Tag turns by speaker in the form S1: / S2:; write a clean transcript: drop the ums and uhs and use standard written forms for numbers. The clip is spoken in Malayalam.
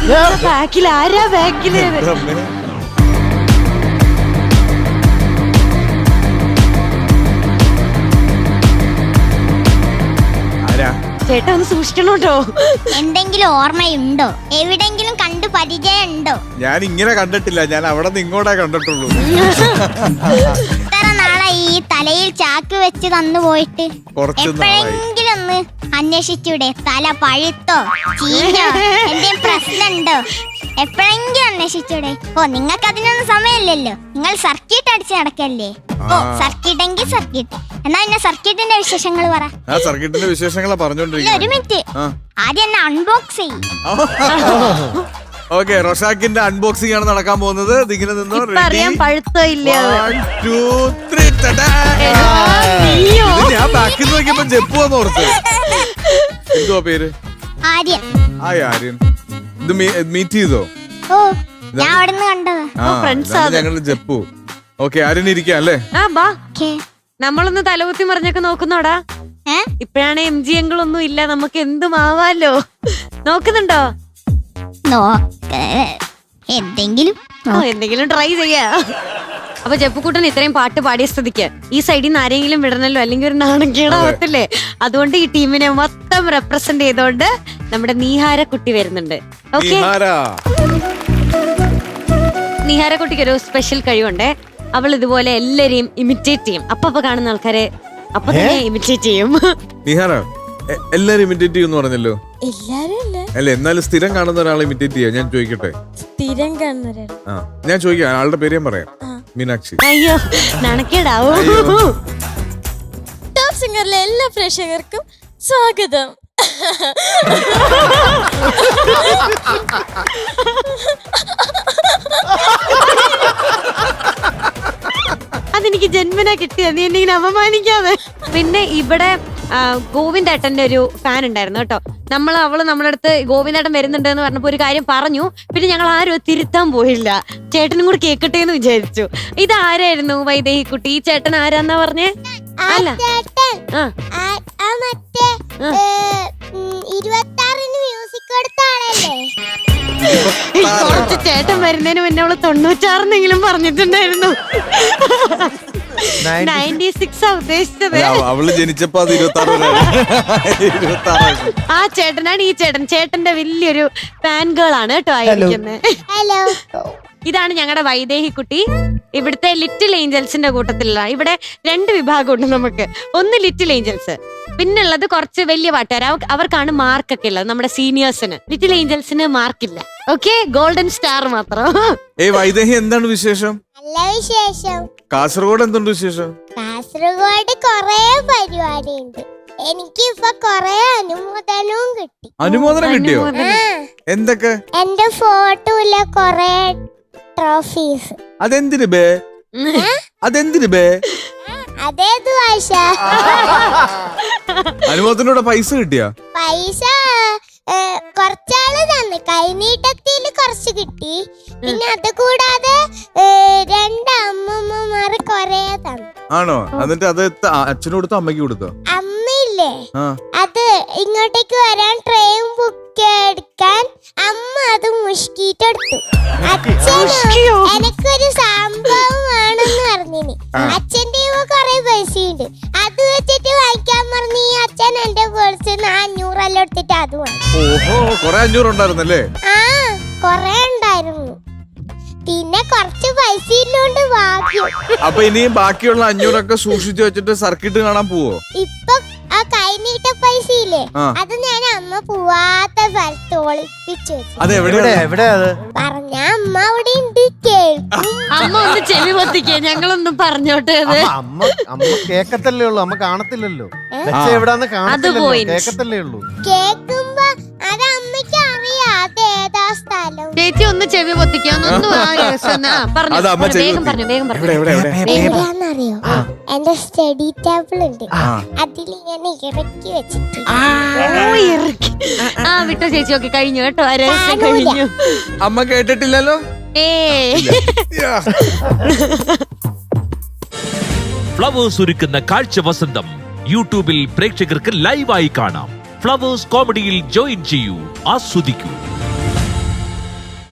S1: ബാക്കിൽ ആരാ ബാക്കില്? ചേട്ടാ ഒന്ന് സൂക്ഷിക്കണോട്ടോ.
S2: എന്തെങ്കിലും ഓർമ്മയുണ്ടോ? എവിടെങ്കിലും കണ്ടു പരിചയം ഉണ്ടോ?
S3: ഞാൻ ഇങ്ങനെ കണ്ടിട്ടില്ല, ഞാൻ അവിടെ നിന്ന് ഇങ്ങോട്ടേ കണ്ടിട്ടുള്ളൂ.
S2: ഇത്ര നാളെ ഈ തലയിൽ ചാക്ക് വെച്ച് തന്നു പോയിട്ട് എപ്പോഴെങ്കിലും ഒന്ന് അന്വേഷിച്ചൂടെ? തല പഴുത്തോ ചീഞ്ഞോ എന്തെങ്കിലും പ്രശ്നമുണ്ടോ? എപ്പോഴെങ്കിലും അന്വേഷിച്ചൂടെ? ഓ, നിങ്ങൾക്ക് അതിനൊന്നും സമയമില്ലല്ലോ, നിങ്ങൾ സർക്യൂട്ട് അടിച്ച് നടക്കല്ലേ. ഓ, സർക്യൂട്ട് എങ്കിൽ സർക്യൂട്ട്. എന്നാ പിന്നെ സർക്യൂട്ടിന്റെ വിശേഷങ്ങൾ പറ.
S3: സർക്യൂട്ടിന്റെ വിശേഷങ്ങളാ പറഞ്ഞോണ്ടിരിക്കുന്നത്.
S2: ഒരു മിനിറ്റ്, ആദ്യം എന്നെ അൺബോക്സ് ചെയ്യും.
S3: ഓക്കെ, റൊഷാക്കിന്റെ അൺബോക്സിംഗ് ആണ് നടക്കാൻ പോകുന്നത്. ഇതിങ്ങനെ നിന്നോ.
S1: അറിയാൻ പഴുത്തോ ഇല്ല.
S3: 1 2 3. ഞാൻ ബാക്കിൽ നോക്കിയപ്പോ ജപ്പുവെന്ന് ഓർത്ത്. എന്തുവാ പേര്?
S2: ആര്യൻ.
S3: ആര്യൻ. ഇത് മീറ്റ് ചെയ്തോ?
S2: ഓ, ഞാൻ അവിടെ നിന്ന് കണ്ടതാ.
S3: ഞങ്ങള് ജപ്പു. ഓക്കെ, ആര്യൻ ഇരിക്കാം അല്ലേ?
S1: നമ്മളൊന്ന് തലകുത്തി മറിഞ്ഞൊക്കെ നോക്കുന്നോടാ. ഇപ്പഴാണ് MG അങ്കിളൊന്നും ഇല്ല, നമുക്ക് എന്തും ആവാലോ. നോക്കുന്നുണ്ടോ? എന്തെങ്കിലും ട്രൈ ചെയ്യാ. അപ്പൊ ജപ്പുക്കുട്ടൻ ഇത്രയും പാട്ട് പാടിയ സ്ഥിതിക്ക് ഈ സൈഡിൽ നിന്ന് ആരെങ്കിലും വിടണല്ലോ, അല്ലെങ്കിൽ ഒരു നാണക്കേടാവത്തില്ലേ. അതുകൊണ്ട് ഈ ടീമിനെ മൊത്തം റെപ്രസെന്റ് ചെയ്തോണ്ട് നമ്മുടെ നീഹാര കുട്ടി വരുന്നുണ്ട്. ഓക്കെ, നീഹാര കുട്ടിക്ക് ഒരു സ്പെഷ്യൽ കഴിവുണ്ടേ. അവൾ ഇതുപോലെ എല്ലാരെയും ഇമിറ്റേറ്റ് ചെയ്യും. അപ്പൊ കാണുന്ന ആൾക്കാരെ അപ്പൊ തന്നെ ഇമിറ്റേറ്റ് ചെയ്യും.
S3: നീഹാര എല്ലാരും ഇമിറ്റേറ്റ് ചെയ്യുമെന്ന് പറഞ്ഞല്ലോ. അല്ല, എന്നാലും സ്ഥിരം കാണുന്ന ഒരാളെ ഇമിറ്റേറ്റ് ചെയ്യാം. ഞാൻ ചോദിക്കട്ടെ,
S4: സ്ഥിരം കാണുന്ന
S3: ഞാൻ ചോദിക്കാം, ആളുടെ പേര് ഞാൻ പറയാം. മീനാക്ഷി.
S1: അയ്യോ, നാണക്കേടാവോ?
S4: ടോപ്പ് സിംഗറിലെ എല്ലാ പ്രേക്ഷകർക്കും സ്വാഗതം.
S1: അതെനിക്ക് ജന്മനാ കിട്ടിയ, നീ എന്നെ അപമാനിക്കാതെ. പിന്നെ ഇവിടെ ഗോവിന്ദേട്ടന്റെ ഒരു ഫാൻ ഉണ്ടായിരുന്നു കേട്ടോ. അവള് നമ്മുടെ അടുത്ത് ഗോവിന്ദേട്ടൻ വരുന്നുണ്ട് എന്ന് പറഞ്ഞപ്പോ ഒരു കാര്യം പറഞ്ഞു. പിന്നെ ഞങ്ങൾ ആരും തിരുത്താൻ പോയില്ല, ചേട്ടനും കൂടി കേക്കട്ടെ എന്ന് വിചാരിച്ചു. ഇത് ആരായിരുന്നു വൈദേഹി കുട്ടി? ഈ ചേട്ടൻ ആരാന്നാ പറഞ്ഞേ? അല്ല, കുറച്ച് ചേട്ടൻ വരുന്നതിന് മുന്നേ അവള് 96 പറഞ്ഞിട്ടുണ്ടായിരുന്നു. 96 ഉദ്ദേശിച്ചത്.
S3: അവള് ജനിച്ചപ്പോ 26.
S1: ആ ചേട്ടനാണ് ഈ ചേട്ടൻ. ചേട്ടന്റെ വലിയൊരു ഫാൻ ഗേൾ ആണ് കേട്ടോ ആയിരിക്കുന്നത്. ഇതാണ് ഞങ്ങളുടെ വൈദേഹി കുട്ടി. ഇവിടുത്തെ ലിറ്റിൽ ഏഞ്ചൽസിന്റെ കൂട്ടത്തിലുള്ള. ഇവിടെ 2 വിഭാഗമുണ്ട് നമുക്ക്. ഒന്ന് ലിറ്റിൽ ഏഞ്ചൽസ്, പിന്നുള്ളത് കുറച്ച് വലിയ പാട്ടുകാർ. അവർക്കാണ് മാർക്കൊക്കെ ഉള്ളത്. നമ്മുടെ സീനിയേഴ്സിന്. ലിറ്റിൽ ഏഞ്ചൽസിന് മാർക്കില്ല. ഓക്കെ, ഗോൾഡൻ സ്റ്റാർ മാത്രം.
S3: വൈദേഹി, എന്താണ് വിശേഷം?
S2: നല്ല വിശേഷം.
S3: കാസർഗോഡ് എന്തുണ്ട് വിശേഷം?
S2: കാസർഗോഡ് കൊറേ പരിപാടി ഉണ്ട്. എനിക്ക് ഇപ്പൊ കൊറേ അനുമോദനവും കിട്ടി.
S3: അനുമോദനം കിട്ടിയോ? എന്തൊക്കെ?
S2: എന്റെ ഫോട്ടോയില കൊറേ ട്രോഫീസ്.
S3: അതെന്തിന് ബേ? അതെന്തിന് ബേ?
S2: അതേത് ഭാഷ?
S3: അനുമോദനോടെ പൈസ കിട്ടിയ?
S2: പൈസ കുറച്ചാള് തന്നു. കൈനീട്ടത്തില് കുറച്ച് കിട്ടി. പിന്നെ അത് കൂടാതെ 2 അമ്മമ്മമാർ കൊറേ തന്നു.
S3: ആണോ? എന്നിട്ട് അത് അച്ഛന് കൊടുത്തോ അമ്മയ്ക്ക് കൊടുത്തോ?
S2: അമ്മയില്ലേ, അത് ഇങ്ങോട്ടേക്ക് വരാൻ ട്രെയിൻ ബുക്ക് എടുക്കാൻ അമ്മ അത് മുഷ്കിട്ടെടുത്തു. അച്ഛനോ എനിക്കൊരു സംഭവമാണെന്ന് പറഞ്ഞിന്. അച്ഛന്റെ കൊറേ പൈസയുണ്ട്, അത് വെച്ചിട്ട് വായിക്കാൻ പറഞ്ഞ് അച്ഛൻ എന്റെ പേഴ്സ് 500 എടുത്തിട്ട് അത് വാങ്ങി.
S3: ഓഹോ, കൊറേ 500 ഉണ്ടായിരുന്നല്ലേ?
S2: കൊറേ ഉണ്ടായിരുന്നു. പിന്നെ കുറച്ച് പൈസ ഇല്ലോണ്ട് ഭാഗ്യം.
S3: അപ്പൊ ഇനിയും ബാക്കിയുള്ള 500 സൂക്ഷിച്ചു വെച്ചിട്ട് സർക്കിട്ട് കാണാൻ പോവോ?
S2: ഇപ്പൊ ആ കൈനീട്ട പൈസ ഇല്ലേ, അത് ഞാൻ അമ്മ പോവാത്ത സ്ഥലത്ത് ഒളിപ്പിച്ചു വെച്ചു. പറഞ്ഞ അമ്മ അവിടെ ഉണ്ട്, കേൾക്കും.
S1: അമ്മ ഒന്ന് ചെവി പൊത്തിക്കേ, ഞങ്ങളൊന്നും പറഞ്ഞോട്ടെ.
S5: അമ്മ കേക്കത്തല്ലേ ഉള്ളു, അമ്മ കാണത്തില്ലല്ലോ. എവിടാന്ന് കേക്കത്തല്ലേ ഉള്ളൂ.
S2: കേക്കുമ്പോ അത് അമ്മയ്ക്ക് അറിയാം അതേതാ സ്ഥലം.
S1: ചേച്ചി ഒന്ന് ചെവി പൊത്തിക്കോ.
S2: എവിടെയാന്നറിയോ? എന്റെ സ്റ്റഡി ടേബിൾ ഉണ്ട്, അതിൽ ഇങ്ങനെ ഇറക്കി വെച്ചിട്ട്.
S1: വിട്ടോ ചേച്ചി. ഒക്കെ കഴിഞ്ഞു കേട്ടോ, കഴിഞ്ഞു.
S3: അമ്മ കേട്ടിട്ടില്ലല്ലോ.
S6: ഫ്ലവേഴ്സ് ഒരുക്കുന്ന കാഴ്ച വസന്തം യൂട്യൂബിൽ പ്രേക്ഷകർക്ക് ലൈവായി കാണാം. ഫ്ലവേഴ്സ് കോമഡിയിൽ ജോയിൻ ചെയ്യൂ, ആസ്വദിക്കൂ.